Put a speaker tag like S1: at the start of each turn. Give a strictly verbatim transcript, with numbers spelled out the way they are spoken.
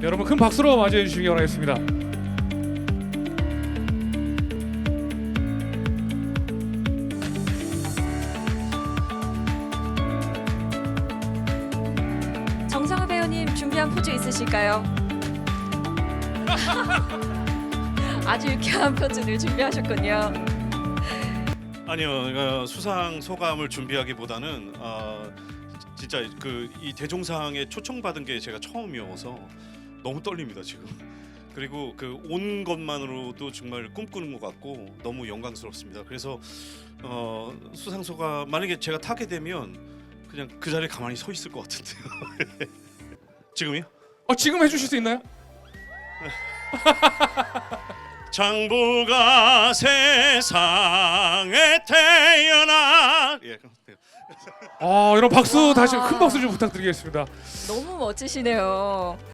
S1: 여러분 큰 박수로 맞이해 주시기 바라겠습니다.
S2: 정상우 배우님 준비한 포즈 있으실까요? 아주 유쾌한 포즈를 준비하셨군요.
S3: 아니요, 어, 수상 소감을 준비하기보다는 어, 진짜 그 이 대종상에 초청받은 게 제가 처음이어서 너무 떨립니다 지금. 그리고 그 온 것만으로도 정말 꿈꾸는 것 같고 너무 영광스럽습니다. 그래서 어, 수상 소감 만약에 제가 타게 되면 그냥 그 자리에 가만히 서 있을 것 같은데요. 지금이요?
S1: 어, 지금 해주실 수 있나요?
S3: 장부가 세상에 태어나 예, 그렇습니다.
S1: 어, 여러분 박수
S2: 와.
S1: 다시 큰 박수 좀 부탁드리겠습니다.
S2: 너무 멋지시네요.